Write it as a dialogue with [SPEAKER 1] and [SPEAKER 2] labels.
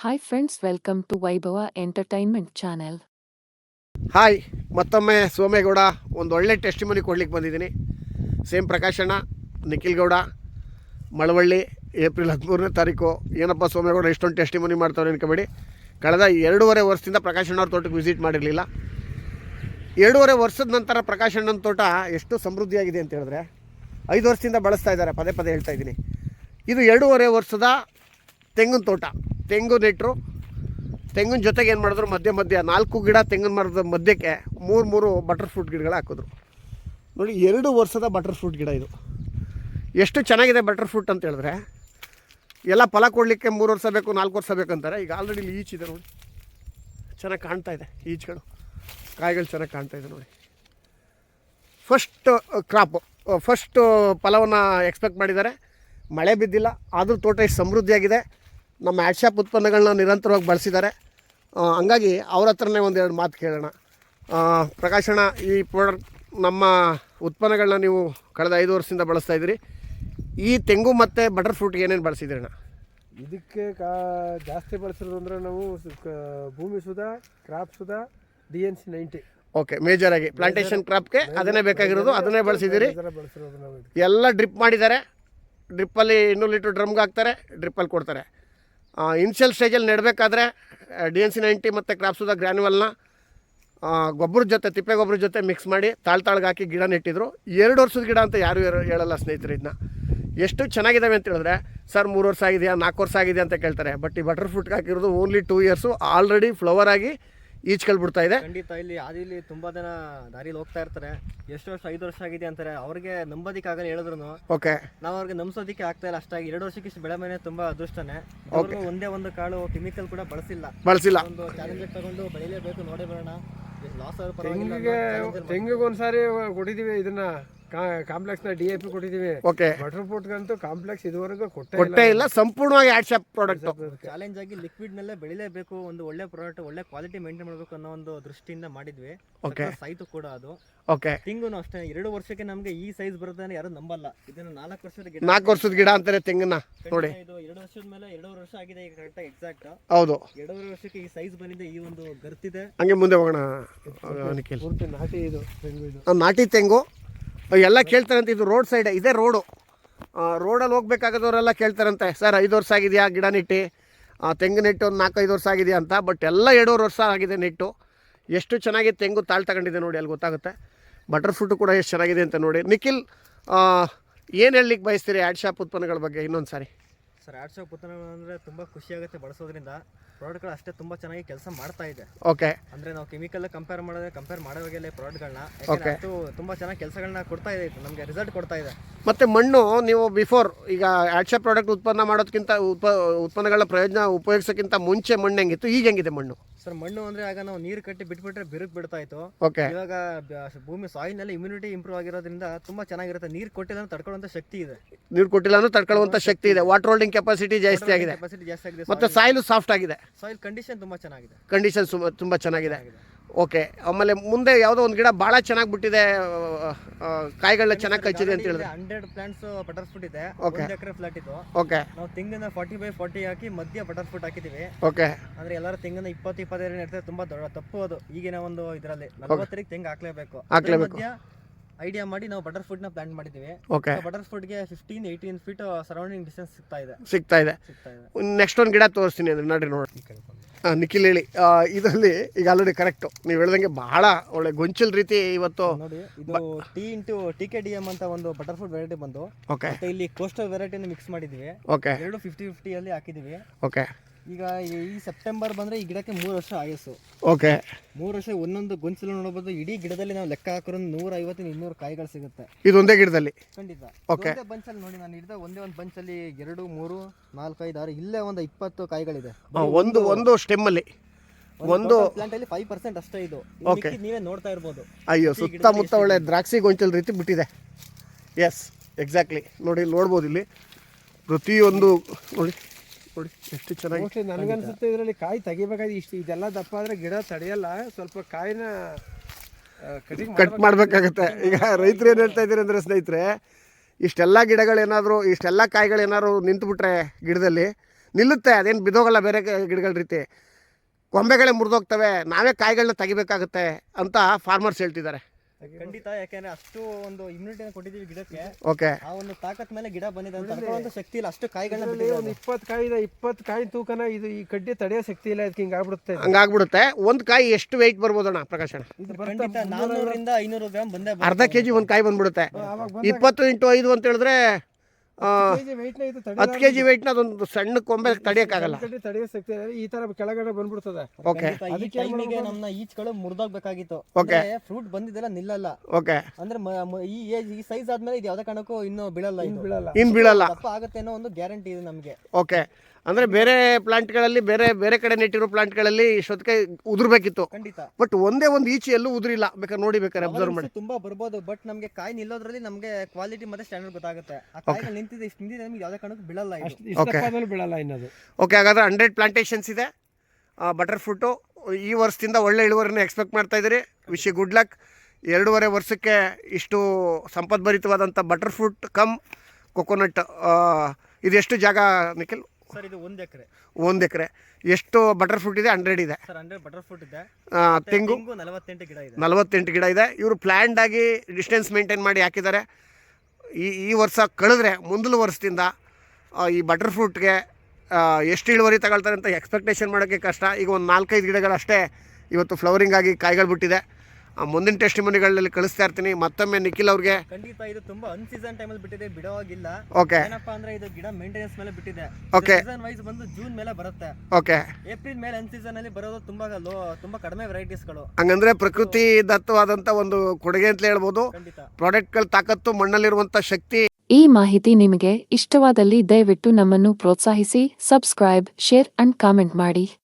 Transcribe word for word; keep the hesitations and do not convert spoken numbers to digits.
[SPEAKER 1] Hi friends, welcome to Vaibhava Entertainment Channel.
[SPEAKER 2] Hi, ಮತ್ತೊಮ್ಮೆ ಸೋಮೇಗೌಡ ಒಂದು ಒಳ್ಳೆ ಟೆಸ್ಟಿಮನಿ ಕೊಡ್ಲಿಕ್ಕೆ ಬಂದಿದ್ದೀನಿ. ಸೇಮ್ ಪ್ರಕಾಶಣ್ಣ, ನಿಖಿಲ್ ಗೌಡ, ಮಳವಳ್ಳಿ, ಏಪ್ರಿಲ್ ಹದಿಮೂರನೇ ತಾರೀಕು. ಏನಪ್ಪ ಸೋಮೇಗೌಡ ಇಷ್ಟೊಂದು ಟೆಸ್ಟಿಮನಿ ಮಾಡ್ತಾವ್ರೆ ಅನ್ಕೋಬೇಡಿ. ಕಳೆದ ಎರಡೂವರೆ ವರ್ಷದಿಂದ ಪ್ರಕಾಶಣ್ಣವ್ರ ತೋಟಕ್ಕೆ ವಿಸಿಟ್ ಮಾಡಿರಲಿಲ್ಲ. ಎರಡೂವರೆ ವರ್ಷದ ನಂತರ ಪ್ರಕಾಶಣ್ಣನ ತೋಟ ಎಷ್ಟು ಸಮೃದ್ಧಿಯಾಗಿದೆ ಅಂತ ಹೇಳಿದ್ರೆ, ಐದು ವರ್ಷದಿಂದ ಬಳಸ್ತಾ ಇದ್ದಾರೆ, ಪದೇ ಪದೇ ಹೇಳ್ತಾ ಇದ್ದೀನಿ. ಇದು ಎರಡೂವರೆ ವರ್ಷದ ತೆಂಗಿನ ತೋಟ. ತೆಂಗು ನೆಟ್ಟರು, ತೆಂಗಿನ ಜೊತೆಗೆ ಏನು ಮಾಡಿದ್ರು, ಮಧ್ಯ ಮಧ್ಯ ನಾಲ್ಕು ಗಿಡ ತೆಂಗಿನ ಮರದ ಮಧ್ಯಕ್ಕೆ ಮೂರು ಮೂರು ಬಟರ್ ಫ್ರೂಟ್ ಗಿಡಗಳು ಹಾಕಿದ್ರು. ನೋಡಿ, ಎರಡು ವರ್ಷದ ಬಟರ್ ಫ್ರೂಟ್ ಗಿಡ ಇದು. ಎಷ್ಟು ಚೆನ್ನಾಗಿದೆ ಬಟರ್ ಫ್ರೂಟ್ ಅಂತ ಹೇಳಿದ್ರೆ, ಎಲ್ಲ ಫಲ ಕೊಡಲಿಕ್ಕೆ ಮೂರು ವರ್ಷ ಬೇಕು, ನಾಲ್ಕು ವರ್ಷ ಬೇಕಂತಾರೆ. ಈಗ ಆಲ್ರೆಡಿ ಇಲ್ಲಿ ಈಚಿದೆ ನೋಡಿ, ಚೆನ್ನಾಗಿ ಕಾಣ್ತಾ ಇದೆ ಈಚ್ಗಳು, ಕಾಯಿಗಳು ಚೆನ್ನಾಗಿ ಕಾಣ್ತಾ ಇದೆ ನೋಡಿ. ಫಸ್ಟ್ ಕ್ರಾಪು, ಫಸ್ಟ್ ಫಲವನ್ನು ಎಕ್ಸ್ಪೆಕ್ಟ್ ಮಾಡಿದ್ದಾರೆ. ಮಳೆ ಬಿದ್ದಿಲ್ಲ, ಆದರೂ ತೋಟ ಇಷ್ಟು ಸಮೃದ್ಧಿಯಾಗಿದೆ. ನಮ್ಮ ಆ್ಯಡ್ಶಾಪ್ ಉತ್ಪನ್ನಗಳನ್ನ ನಿರಂತರವಾಗಿ ಬಳಸಿದ್ದಾರೆ. ಹಂಗಾಗಿ ಅವ್ರ ಹತ್ರನೇ ಒಂದೆರಡು ಮಾತು ಕೇಳೋಣ. ಪ್ರಕಾಶಣ್ಣ, ಈ ಪ್ರಾಡಕ್ಟ್ ನಮ್ಮ ಉತ್ಪನ್ನಗಳನ್ನ ನೀವು ಕಳೆದ ಐದು ವರ್ಷದಿಂದ ಬಳಸ್ತಾ ಇದ್ದೀರಿ. ಈ ತೆಂಗು ಮತ್ತು ಬಟರ್ ಫ್ರೂಟ್ಗೆ ಏನೇನು ಬಳಸಿದ್ದೀರಣ್ಣ?
[SPEAKER 3] ಇದಕ್ಕೆ ಕಾ ಜಾಸ್ತಿ ಬಳಸಿರೋದು ಅಂದರೆ ನಾವು Bhoomi Sudha, crop Sudha, D N C ninety.
[SPEAKER 2] Okay, ಮೇಜರಾಗಿ ಪ್ಲಾಂಟೇಶನ್ ಕ್ರಾಪ್ಗೆ ಅದನ್ನೇ ಬೇಕಾಗಿರೋದು, ಅದನ್ನೇ ಬಳಸಿದ್ದೀರಿ.
[SPEAKER 3] ಬಳಸಿರೋದು ನಾವು.
[SPEAKER 2] ಎಲ್ಲ ಡ್ರಿಪ್ ಮಾಡಿದ್ದಾರೆ. ಡ್ರಿಪ್ಪಲ್ಲಿ ಇನ್ನೂರು ಲೀಟ್ರ್ ಡ್ರಮ್ಗೆ ಹಾಕ್ತಾರೆ, ಡ್ರಿಪ್ಪಲ್ಲಿ ಕೊಡ್ತಾರೆ. ಇನ್ಷಿಯಲ್ ಸ್ಟೇಜಲ್ಲಿ ನೆಡಬೇಕಾದ್ರೆ ಡಿ ಎನ್ ಸಿ ನೈಂಟಿ ಮತ್ತು ಕ್ರಾಪ್ಸುದ ಗ್ರ್ಯಾನ್ಯುವಲ್ನ ಗೊಬ್ಬರದ ಜೊತೆ, ತಿಪ್ಪೆ ಗೊಬ್ಬರದ ಜೊತೆ ಮಿಕ್ಸ್ ಮಾಡಿ ತಾಳ್ ತಾಳ್ಗೆ ಹಾಕಿ ಗಿಡ ನೆಟ್ಟಿದ್ರು. ಎರಡು ವರ್ಷದ ಗಿಡ ಅಂತ ಯಾರು ಹೇಳಲ್ಲ ಸ್ನೇಹಿತರು. ಇದನ್ನ ಎಷ್ಟು ಚೆನ್ನಾಗಿದ್ದಾವೆ ಅಂತ ಹೇಳಿದ್ರೆ, ಸರ್ ಮೂರು ವರ್ಷ ಆಗಿದೆಯಾ, ನಾಲ್ಕು ವರ್ಷ ಆಗಿದೆ ಅಂತ ಕೇಳ್ತಾರೆ. ಬಟ್ ಈ ಬಟರ್ ಫ್ರೂಟ್ಗೆ ಹಾಕಿರೋದು only two years already flower ಆಗಿ ಈಚ್ಗಳು ಬಿಡ್ತಾ ಇದೆ.
[SPEAKER 4] ಖಂಡಿತ ಇಲ್ಲಿ ಆದಿಲ್ಲಿ ತುಂಬಾ ಜನ ದಾರಿಲಿ ಹೋಗ್ತಾ ಇರ್ತಾರೆ, ಎಷ್ಟು ವರ್ಷ ಐದು ವರ್ಷ ಆಗಿದೆ ಅಂತಾರೆ. ಅವ್ರಿಗೆ ನಂಬೋದಿಕ್ಕಾಗಲ್ಲ ಹೇಳಿದ್ರು.
[SPEAKER 2] ಓಕೆ,
[SPEAKER 4] ನಾವು ಅವ್ರಿಗೆ ನಂಬಿಸೋದಿಕ್ಕೆ ಆಗ್ತಾ ಇಲ್ಲ. ಅಷ್ಟಾಗಿ ಎರಡು ವರ್ಷಕ್ಕೆ ಇಷ್ಟು ಬೆಳೆ ಮನೆ ತುಂಬಾ ಅದೃಷ್ಟನೇ. ಒಂದೇ ಒಂದು ಕಾಳು ಕೆಮಿಕಲ್ ಕೂಡ ಬಳಸಿಲ್ಲ
[SPEAKER 2] ಬಳಸಿಲ್ಲ
[SPEAKER 4] ಒಂದು ಚಾಲೆಂಜ್ ತಗೊಂಡು ಬೆಳಿಲೇಬೇಕು, ನೋಡಿ ಬರೋಣ. ಲಾಸ್
[SPEAKER 3] ತೆಂಗಿಗೆ ತೆಂಗಿಗೆ ಒಂದ್ಸಾರಿ ಕೊಟ್ಟಿದ್ದೀವಿ, ಇದನ್ನ ಕಾಂಪ್ಲೆಕ್ಸ್ ನ ಡಿ ಎ ಪಿ ಕೊಟ್ಟಿದ್ದೀವಿ.
[SPEAKER 2] ಓಕೆ,
[SPEAKER 3] ಬಟರ್ ಫ್ರೂಟ್ಗಂತೂ ಕಾಂಪ್ಲೆಕ್ಸ್ ಇದುವರೆಗೂ
[SPEAKER 2] ಕೊಟ್ಟೇ ಇಲ್ಲ. ಸಂಪೂರ್ಣವಾಗಿ ಆ್ಯಡ್ಶಾಪ್ ಪ್ರಾಡಕ್ಟ್
[SPEAKER 4] ಚಾಲೆಂಜ್ ಆಗಿ ಲಿಕ್ವಿಡ್ ನಲ್ಲೇ ಬೆಳಿಲೇಬೇಕು, ಒಂದು ಒಳ್ಳೆ ಪ್ರಾಡಕ್ಟ್, ಒಳ್ಳೆ ಕ್ವಾಲಿಟಿ ಮೇಂಟೈನ್ ಮಾಡಬೇಕು ಅನ್ನೋ ಒಂದು ದೃಷ್ಟಿಯಿಂದ ಮಾಡಿದ್ವಿ. ಸೈಜು ಕೂಡ ಅದು.
[SPEAKER 2] ಓಕೆ,
[SPEAKER 4] ತೆಂಗುನು ಅಷ್ಟೇ, ಎರಡು ವರ್ಷಕ್ಕೆ ನಮಗೆ ಈ ಸೈಜ್ ಬರುತ್ತೆ ಯಾರು ನಂಬಲ್ಲ. ಇದನ್ನ ನಾಲ್ಕು ವರ್ಷದ ಗಿಡ,
[SPEAKER 2] ನಾಲ್ಕು ವರ್ಷದ ಗಿಡ ಅಂತಾರೆ ತೆಂಗನ್ನ. ನೋಡಿ,
[SPEAKER 4] ಇದು ಎರಡು ವರ್ಷದ ಮೇಲೆ ಎರಡೂವರೆ ವರ್ಷ ಆಗಿದೆ ಈಗ ಕರೆಕ್ಟ್ ಎಕ್ಸಾಕ್ಟ್.
[SPEAKER 2] ಹೌದು,
[SPEAKER 4] ಎರಡೂವರೆ ವರ್ಷಕ್ಕೆ ಈ ಸೈಜ್ ಬಂದಿದೆ, ಈ ಒಂದು ಗರ್ತಿದೆ.
[SPEAKER 2] ಹಂಗೆ ಮುಂದೆ ಹೋಗೋಣ ನಿಖಿಲ್.
[SPEAKER 3] ಪೂರ್ತಿ ನಾಟಿ ಇದು ತೆಂಗು. ಇದು
[SPEAKER 2] ನಾಟಿ ತೆಂಗು ಎಲ್ಲ ಕೇಳ್ತಾರಂತೆ. ಇದು ರೋಡ್ ಸೈಡ್ ಇದೆ, ರೋಡು. ರೋಡಲ್ಲಿ ಹೋಗ್ಬೇಕಾಗದವರೆಲ್ಲ ಕೇಳ್ತಾರಂತೆ, ಸರ್ ಐದು ವರ್ಷ ಆಗಿದೆಯಾ ಗಿಡ ನೆಟ್ಟು, ತೆಂಗು ನೆಟ್ಟು ಒಂದು ನಾಲ್ಕೈದು ವರ್ಷ ಆಗಿದೆಯಾ ಅಂತ. ಬಟ್ ಎಲ್ಲ ಎರಡೂವರೆ ವರ್ಷ ಆಗಿದೆ ನೆಟ್ಟು. ಎಷ್ಟು ಚೆನ್ನಾಗಿ ತೆಂಗು ತಾಳು ತಗೊಂಡಿದೆ ನೋಡಿ, ಅಲ್ಲಿ ಗೊತ್ತಾಗುತ್ತೆ. ಬಟರ್ ಫ್ರೂಟು ಕೂಡ ಎಷ್ಟು ಚೆನ್ನಾಗಿದೆ ಅಂತ ನೋಡಿ. ನಿಖಿಲ್, ಏನು ಹೇಳಲಿಕ್ಕೆ ಬಯಸ್ತೀರಿ ಆ್ಯಡ್ಶಾಪ್ ಉತ್ಪನ್ನಗಳ ಬಗ್ಗೆ ಇನ್ನೊಂದು ಸಾರಿ?
[SPEAKER 4] ಸರ್, ಆ್ಯಡ್ಶಾಪ್ ಉತ್ಪನ್ನಗಳು ಅಂದರೆ ತುಂಬ ಖುಷಿಯಾಗುತ್ತೆ ಬಳಸೋದ್ರಿಂದ. ಪ್ರಾಡಕ್ಟ್ಗಳು ಅಷ್ಟೇ ತುಂಬ ಚೆನ್ನಾಗಿ ಕೆಲಸ ಮಾಡ್ತಾ ಇದೆ.
[SPEAKER 2] ಓಕೆ,
[SPEAKER 4] ಅಂದರೆ ನಾವು ಕೆಮಿಕಲ್ ಕಂಪೇರ್ ಮಾಡಿದ್ರೆ ಕಂಪೇರ್ ಮಾಡೋವಾಗೆಲ್ಲ ಪ್ರಾಡಕ್ಟ್ಗಳನ್ನ ಯಾಕಂದರೆ ಅದು ತುಂಬ ಚೆನ್ನಾಗಿ ಕೆಲಸಗಳನ್ನ ಕೊಡ್ತಾ ಇದೆ, ನಮಗೆ ರಿಸಲ್ಟ್ ಕೊಡ್ತಾ ಇದೆ.
[SPEAKER 2] ಮತ್ತು ಮಣ್ಣು ನೀವು ಬಿಫೋರ್ ಈಗ ಆ್ಯಡ್ಶಾಪ್ ಪ್ರಾಡಕ್ಟ್ ಉತ್ಪನ್ನ ಮಾಡೋದಕ್ಕಿಂತ ಉತ್ಪ ಉತ್ಪನ್ನಗಳ ಪ್ರಯೋಜನ ಉಪಯೋಗಿಸೋಕ್ಕಿಂತ ಮುಂಚೆ ಮಣ್ಣು ಹೆಂಗಿತ್ತು, ಈಗ ಹೆಂಗಿದೆ ಮಣ್ಣು?
[SPEAKER 4] ಸರ್, ಮಣ್ಣು ಅಂದರೆ ಆಗ ನಾವು ನೀರು ಕಟ್ಟಿ ಬಿಟ್ಬಿಟ್ರೆ ಬಿರುಕು ಬಿಡ್ತಾ ಇತ್ತು.
[SPEAKER 2] ಓಕೆ,
[SPEAKER 4] ಇವಾಗ ಭೂಮಿ ಸಾಯಿಲ್ನಲ್ಲಿ ಇಮ್ಯುನಿಟಿ ಇಂಪ್ರೂವ್ ಆಗಿರೋದ್ರಿಂದ ತುಂಬ ಚೆನ್ನಾಗಿರುತ್ತೆ. ನೀರು ಕೊಟ್ಟಿಲ್ಲ ತಡ್ಕೊಳ್ಳುವಂಥ ಶಕ್ತಿ ಇದೆ.
[SPEAKER 2] ನೀರು ಕೊಟ್ಟಿಲ್ಲ ಅಂದ್ರೆ ತಡ್ಕೊಳ್ಳುವಂಥ ಶಕ್ತಿ ಇದೆ. ವಾಟರ್ ಹೋಲ್ಡಿಂಗ್ ಕೆಪಾಸಿಟಿ ಜಾಸ್ತಿ ಆಗಿದೆ,
[SPEAKER 4] ಕೆಪಾಸಿಟಿ ಜಾಸ್ತಿ ಆಗಿದೆ.
[SPEAKER 2] ಮತ್ತು ಸಾಯಿಲು ಸಾಫ್ಟ್ ಆಗಿದೆ,
[SPEAKER 4] ಸಾಯಿಲ್ ಕಂಡೀಷನ್ ತುಂಬ ಚೆನ್ನಾಗಿದೆ.
[SPEAKER 2] ಕಂಡೀಷನ್ ತುಂಬ ಚೆನ್ನಾಗಿದೆ. ಓಕೆ, ಆಮೇಲೆ ಮುಂದೆ ಯಾವುದೋ ಒಂದು ಗಿಡ ಭಾಳ ಚೆನ್ನಾಗಿ ಬಿಟ್ಟಿದೆ, ಕಾಯಿಗಳನ್ನ ಚೆನ್ನಾಗಿ ಕಚ್ಚಿದೆ ಅಂತ ಹೇಳಿದ್ರೆ
[SPEAKER 4] ಹಂಡ್ರೆಡ್ ಪ್ಲಾಂಟ್ಸ್ ಬಟರ್ ಫ್ರೂಟ್ ಇದೆ. ಒಂದು ಎಕರೆ ಫ್ಲಾಟ್ ಇದು.
[SPEAKER 2] ಓಕೆ,
[SPEAKER 4] ನಾವು ತೆಂಗಿನ ಫಾರ್ಟಿ ಬೈ ಫಾರ್ಟಿ ಹಾಕಿ ಮಧ್ಯ ಬಟರ್ ಫ್ರೂಟ್ ಹಾಕಿದೀವಿ.
[SPEAKER 2] ಓಕೆ,
[SPEAKER 4] ಅಂದ್ರೆ ಎಲ್ಲರೂ ತೆಂಗಿನ ಇಪ್ಪತ್ತು ಇಪ್ಪತ್ತೈದು ನೆಡ್ತಾರೆ, ತುಂಬಾ ದೊಡ್ಡ ತಪ್ಪು ಅದು. ಈಗಿನ ಒಂದು ಇದರಲ್ಲಿ ನಲವತ್ತರಿಗೆ ತೆಂಗು ಹಾಕ್ಲೇಬೇಕು.
[SPEAKER 2] ಹಾಕ್ಲೇಬೇಕು.
[SPEAKER 4] ಮಧ್ಯ ಐಡಿಯಾ ಮಾಡಿ ನಾವು ಬಟರ್ ಫ್ರೂಟ್ ನ ಪ್ಲಾಂಟ್ ಮಾಡಿದೀವಿ.
[SPEAKER 2] ಓಕೆ,
[SPEAKER 4] ಬಟರ್ ಫ್ರೂಟ್ ಗೆ fifteen eighteen feet surrounding distance ಸಿಗ್ತಾ ಇದೆ
[SPEAKER 2] ಸಿಗ್ತಾ ಇದೆ
[SPEAKER 4] ಸಿಗ್ತಾ ಇದೆ
[SPEAKER 2] ನೆಕ್ಸ್ಟ್ ಒಂದು ಗಿಡ ತೋರಿಸ್ತೀನಿ ಅಂದ್ರೆ ನೋಡ್ರಿ ನೋಡಿ. ಹಾಂ, ನಿಖಿಲ್ ಹೇಳಿ. ಇದರಲ್ಲಿ ಈಗ ಆಲ್ರೆಡಿ ಕರೆಕ್ಟು ನೀವು ಹೇಳ್ದಂಗೆ ಬಹಳ ಒಳ್ಳೆ ಗೊಂಚಲ್ ರೀತಿ ಇವತ್ತು
[SPEAKER 4] ನೋಡಿ. ಇದು T into T K D M ಅಂತ ಒಂದು ಬಟರ್ ಫ್ರೂಟ್ ವೆರೈಟಿ ಬಂದು,
[SPEAKER 2] ಓಕೆ,
[SPEAKER 4] ಇಲ್ಲಿ ಕೋಸ್ಟಲ್ ವೆರೈಟಿನ ಮಿಕ್ಸ್ ಮಾಡಿದೀವಿ.
[SPEAKER 2] ಓಕೆ,
[SPEAKER 4] ಎರಡು ಫಿಫ್ಟಿ ಫಿಫ್ಟಿ ಅಲ್ಲಿ ಹಾಕಿದೀವಿ.
[SPEAKER 2] ಓಕೆ,
[SPEAKER 4] ಈಗ ಈ ಸೆಪ್ಟೆಂಬರ್ ಬಂದ್ರೆ ಈ ಗಿಡಕ್ಕೆ ಮೂರು ವರ್ಷ ಆಯಸ್ಸು.
[SPEAKER 2] ಓಕೆ,
[SPEAKER 4] ಮೂರು ವರ್ಷ ಒಂದೊಂದು ಗೊಂಚಲು ನೋಡಬಹುದು. ಇಡೀ ಗಿಡದಲ್ಲಿ ನಾವು ಲೆಕ್ಕ ಹಾಕಿರೋ ನೂರ ಐವತ್ತಿನ ಇನ್ನೂರು ಕಾಯಿಗಳು ಸಿಗುತ್ತೆ
[SPEAKER 2] ಇದೊಂದೇ ಗಿಡದಲ್ಲಿ.
[SPEAKER 4] ಖಂಡಿತ.
[SPEAKER 2] ಓಕೆ,
[SPEAKER 4] ಒಂದೇ ಬಂಚಲ್ಲಿ ನೋಡಿ, ನಾನು ಹಿಡಿದ ಒಂದೇ ಒಂದು ಬಂಚಲ್ಲಿ ಎರಡು ಮೂರು ನಾಲ್ಕೈದು ಆರು ಇಲ್ಲೇ ಒಂದು ಇಪ್ಪತ್ತು ಕಾಯಿಗಳಿದೆ
[SPEAKER 2] ಒಂದು ಒಂದು ಸ್ಟೆಮ್ ಅಲ್ಲಿ. ಒಂದು
[SPEAKER 4] ಪ್ಲಾಂಟ್ ಅಲ್ಲಿ ಫೈವ್ ಪರ್ಸೆಂಟ್ ಅಷ್ಟೇ ಇದು.
[SPEAKER 2] ಓಕೆ,
[SPEAKER 4] ನೀವೇ ನೋಡ್ತಾ ಇರ್ಬೋದು.
[SPEAKER 2] ಅಯ್ಯೋ, ಸುತ್ತಮುತ್ತ ಒಳ್ಳೆ ದ್ರಾಕ್ಷಿ ಗೊಂಚಲ್ ರೀತಿ ಬಿಟ್ಟಿದೆ. Yes, exactly. ನೋಡಿ, ನೋಡ್ಬೋದು ಇಲ್ಲಿ ಪ್ರತಿಯೊಂದು ನೋಡಿ ನೋಡಿ ಎಷ್ಟು ಚೆನ್ನಾಗಿ.
[SPEAKER 3] ನನಗನ್ಸುತ್ತೆ ಇದರಲ್ಲಿ ಕಾಯಿ ತೆಗಿಬೇಕಾದ್ರೆ ಇಷ್ಟು ಇದೆಲ್ಲ ದಪ್ಪ ಆದರೆ ಗಿಡ ತಡೆಯಲ್ಲ, ಸ್ವಲ್ಪ ಕಾಯಿನ
[SPEAKER 2] ಕಟ್ ಮಾಡಬೇಕಾಗತ್ತೆ. ಈಗ ರೈತರು ಏನು ಹೇಳ್ತಾ ಇದ್ದೀರಿ ಅಂದರೆ ಸ್ನೇಹಿತರೆ, ಇಷ್ಟೆಲ್ಲ ಗಿಡಗಳೇನಾದರೂ ಇಷ್ಟೆಲ್ಲ ಕಾಯಿಗಳೇನಾದ್ರು ನಿಂತುಬಿಟ್ರೆ ಗಿಡದಲ್ಲಿ ನಿಲ್ಲುತ್ತೆ, ಅದೇನು ಬಿದ್ದೋಗಲ್ಲ ಬೇರೆ ಗಿಡಗಳ ರೀತಿ. ಕೊಂಬೆಗಳೇ ಮುರಿದೋಗ್ತವೆ, ನಾವೇ ಕಾಯಿಗಳನ್ನ ತೆಗಿಬೇಕಾಗುತ್ತೆ ಅಂತ ಫಾರ್ಮರ್ಸ್ ಹೇಳ್ತಿದ್ದಾರೆ.
[SPEAKER 4] ಖಂಡಿತ, ಯಾಕೆಂದ್ರೆ ಅಷ್ಟು ಒಂದು ಇಮ್ಯುನಿಟಿನ ಕೊಟ್ಟಿದ್ದೀವಿ ಗಿಡಕ್ಕೆ,
[SPEAKER 2] ಓಕೆ,
[SPEAKER 4] ಆ ಒಂದು ತಾಕತ್ ಮೇಲೆ ಗಿಡ ಬಂದಿದೆ ಅಂತ ತಡ್ಕೊಳ್ಳೋ ಶಕ್ತಿ ಇಲ್ಲ, ಅಷ್ಟು ಕಾಯಿಗಳನ್ನ
[SPEAKER 3] ಇದರಲ್ಲಿ ಒಂದು ಇಪ್ಪತ್ತು ಕಾಯಿ ಇದೆ, ಇಪ್ಪತ್ತು ಕಾಯಿ ತೂಕನ ಇದು ಈ ಕಡ್ಡಿ ತಡೆಯೋ ಶಕ್ತಿ ಇಲ್ಲ, ಇದಕ್ಕೆ ಹಿಂಗೆ ಆಗ್ಬಿಡುತ್ತೆ.
[SPEAKER 2] ಹಂಗಾಗ್ಬಿಡುತ್ತೆ. ಒಂದು ಕಾಯಿ ಎಷ್ಟು ವೆಯ್ಟ್ ಬರ್ಬೋದಣ್ಣ ಪ್ರಕಾಶ್ ಅಣ್ಣ?
[SPEAKER 3] ಇದು
[SPEAKER 4] ಖಂಡಿತ ನಾನ್ನೂರರಿಂದ ಐನೂರು ಗ್ರಾಮ್ ಬಂದೇ
[SPEAKER 2] ಅರ್ಧ ಕೆ ಜಿ ಒಂದು ಕಾಯಿ ಬಂದ್ಬಿಡುತ್ತೆ.
[SPEAKER 3] ಅವಾಗ
[SPEAKER 2] ಇಪ್ಪತ್ತು ಇಂಟು ಐದು ಅಂತ ಹೇಳಿದ್ರೆ
[SPEAKER 3] ವೆಯ್ಟ್ನ ಇದು ತಡೆ
[SPEAKER 2] ಹತ್ತು ಕೆ ಜಿ ವೆಯ್ಟ್ನ ಅದೊಂದು ಸಣ್ಣ ಕೊಂಬೆ ತಡೆಯೋಕ್ಕಾಗಲ್ಲ.
[SPEAKER 3] ಕಡ್ಡಿ ತಡೆಯೋ ಶಕ್ತಿ ಇಲ್ಲ, ಈ ತರ ಕೆಳಗಡೆ ಬಂದ್ಬಿಡ್ತದೆ.
[SPEAKER 2] ಓಕೆ,
[SPEAKER 4] ಈ ಟೈಮಿಗೆ ನಮ್ಮ ಈಚ್ಗಳು ಮುರಿದೋಗ್ಬೇಕಾಗಿತ್ತು.
[SPEAKER 2] ಓಕೆ,
[SPEAKER 4] ಫ್ರೂಟ್ ಬಂದಿದ್ದೆಲ್ಲ ನಿಲ್ಲಲ್ಲ.
[SPEAKER 2] ಓಕೆ,
[SPEAKER 4] ಅಂದ್ರೆ ಮ- ಮ- ಈ ಏಜ್ ಈ ಸೈಜ್ ಆದ್ಮೇಲೆ ಇದು ಯಾವ್ದೇ ಕಾರಣಕ್ಕೂ ಇನ್ನು ಬೀಳಲ್ಲ, ಇದು
[SPEAKER 3] ಬೀಳಲ್ಲ.
[SPEAKER 2] ಇನ್ನು ಬೀಳಲ್ಲ.
[SPEAKER 4] ದಪ್ಪ ಆಗುತ್ತೆ ಅನ್ನೋ ಒಂದು ಗ್ಯಾರಂಟಿ ಇದೆ ನಮಗೆ.
[SPEAKER 2] ಓಕೆ, ಅಂದರೆ ಬೇರೆ ಪ್ಲಾಂಟ್ಗಳಲ್ಲಿ ಬೇರೆ ಬೇರೆ ಕಡೆ ನೆಟ್ಟಿರೋ ಪ್ಲಾಂಟ್ಗಳಲ್ಲಿ ಇಷ್ಟೊತ್ತಿಗೆ ಉದುರ್ಬೇಕಿತ್ತು,
[SPEAKER 4] ಖಂಡಿತ
[SPEAKER 2] ಬಟ್ ಒಂದೇ ಒಂದು ಈಚೆ ಎಲ್ಲೂ ಉದುರಿಲ್ಲ. ಬೇಕಾದ್ರೆ ನೋಡಿ, ಬೇಕಾದ್ರೆ ಅಬ್ಸರ್ವ್ ಮಾಡಿ.
[SPEAKER 4] ತುಂಬಾ ಬರ್ಬೋದು, ಬಟ್ ನಮಗೆ ಕಾಯಿ ನಿಲ್ಲೋದ್ರಲ್ಲಿ ನಮಗೆ ಕ್ವಾಲಿಟಿ ಮತ್ತೆ ಸ್ಟ್ಯಾಂಡರ್ಡ್ ಗೊತ್ತಾಗುತ್ತೆ. ಆ ಕಾಯಿಗಳು ನಿಂತಿದೆ, ಇಷ್ಟು ನಿಂತಿದೆ, ನಮಗೆ ಯಾವ್ದೇ ಕಾರಣಕ್ಕೂ ಬೀಳಲ್ಲ ಇದು.
[SPEAKER 3] ಅಷ್ಟು ಇಷ್ಟಪ್ಪಾದ್ಮೇಲೆ ಬೀಳಲ್ಲ ಇನ್ನದು.
[SPEAKER 2] ಓಕೆ, ಹಾಗಾದ್ರೆ ಹಂಡ್ರೆಡ್ ಪ್ಲಾಂಟೇಶನ್ಸ್ ಇದೆ ಬಟರ್ ಫ್ರೂಟು. ಈ ವರ್ಷದಿಂದ ಒಳ್ಳೆ ಇಳುವರಿನ ಎಕ್ಸ್ಪೆಕ್ಟ್ ಮಾಡ್ತಾ ಇದ್ದೀರಿ. Wish you good luck. ಎರಡೂವರೆ ವರ್ಷಕ್ಕೆ ಇಷ್ಟು ಸಂಪದ್ಭರಿತವಾದಂಥ ಬಟರ್ ಫ್ರೂಟ್ ಕಮ್ ಕೊಕೊನಟ್. ಇದೆಷ್ಟು ಜಾಗ ನಿಖಿಲ್?
[SPEAKER 4] ಸರ್ ಇದು ಒಂದ್ ಎಕರೆ.
[SPEAKER 2] ಒಂದು ಎಕರೆ. ಎಷ್ಟು ಬಟರ್ ಫ್ರೂಟ್ ಇದೆ? ಹಂಡ್ರೆಡ್ ಇದೆ.
[SPEAKER 4] ಸರ್ ಹಂಡ್ರೆಡ್ ಬಟರ್ ಫ್ರೂಟ್ ಇದೆ.
[SPEAKER 2] ಆ, ತೆಂಗು
[SPEAKER 4] ತೆಂಗು ನಲವತ್ತೆಂಟು ಗಿಡ ಇದೆ.
[SPEAKER 2] ನಲವತ್ತೆಂಟು ಗಿಡ ಇದೆ. ಇವರು ಪ್ಲ್ಯಾಂಡ್ ಆಗಿ ಡಿಸ್ಟೆನ್ಸ್ ಮೇಂಟೈನ್ ಮಾಡಿ ಹಾಕಿದ್ದಾರೆ. ಈ ಈ ವರ್ಷ ಕಳೆದ್ರೆ ಮುಂದಿನ ವರ್ಷದಿಂದ ಆ, ಈ ಬಟರ್ ಫ್ರೂಟ್ಗೆ ಎಷ್ಟು ಇಳುವರಿ ತಗೊಳ್ತಾರೆ ಅಂತ ಎಕ್ಸ್ಪೆಕ್ಟೇಷನ್ ಮಾಡೋಕ್ಕೆ ಕಷ್ಟ. ಈಗ ಒಂದು ನಾಲ್ಕೈದು ಗಿಡಗಳಷ್ಟೇ ಇವತ್ತು ಫ್ಲವರಿಂಗ್ ಆಗಿ ಕಾಯಿಗಳು ಬಿಟ್ಟಿದೆ. ಆ, ಮುಂದಿನ ಟೆಸ್ಟಿಮನಿಗಳಲ್ಲಿ ಕಳಿಸ್ತಾ ಇರ್ತೀನಿ. ಮತ್ತೊಮ್ಮೆ ನಿಖಿಲ್ ಅವ್ರಿಗೆ
[SPEAKER 4] ಖಂಡಿತ ಇದು ತುಂಬಾ ಅನ್ ಸೀಸನ್ ಟೈಮಲ್ಲಿ ಬಿಟ್ಟಿದೆ, ಬಿಡೋವಾಗಿಲ್ಲ.
[SPEAKER 2] ಓಕೆ,
[SPEAKER 4] ಏನಪ್ಪಾ ಅಂದ್ರೆ ಇದು ಗಿಡ ಮೇಂಟೆನೆನ್ಸ್ ಮೇಲೆ ಬಿಟ್ಟಿದೆ.
[SPEAKER 2] ಓಕೆ,
[SPEAKER 4] ಸೀಸನ್ ವೈಸ್ ಬಂದು ಜೂನ್ ಮೇಲೆ ಬರುತ್ತೆ.
[SPEAKER 2] ಓಕೆ.
[SPEAKER 4] ಏಪ್ರಿಲ್ ಮೇಲೆ ಅನ್ ಸೀಸನ್ ಅಲ್ಲಿ ಬರೋದು ತುಂಬಾ ಲೋ, ತುಂಬಾ ಕಡಿಮೆ ವೆರೈಟೀಸ್ಗಳು.
[SPEAKER 2] ಹಂಗಂದ್ರೆ ಪ್ರಕೃತಿ ದತ್ತವಾದಂಥ ಒಂದು ಕೊಡುಗೆ ಅಂತ ಹೇಳ್ಬೋದು.
[SPEAKER 4] ಖಂಡಿತ
[SPEAKER 2] ಪ್ರಾಡಕ್ಟ್ಗಳ ತಾಕತ್ತು, ಮಣ್ಣಲ್ಲಿರುವಂಥ ಶಕ್ತಿ.
[SPEAKER 1] ಈ ಮಾಹಿತಿ ನಿಮಗೆ ಇಷ್ಟವಾದಲ್ಲಿ ದಯವಿಟ್ಟು ನಮ್ಮನ್ನು ಪ್ರೋತ್ಸಾಹಿಸಿ, ಸಬ್ಸ್ಕ್ರೈಬ್, ಶೇರ್ ಅಂಡ್ ಕಾಮೆಂಟ್ ಮಾಡಿ.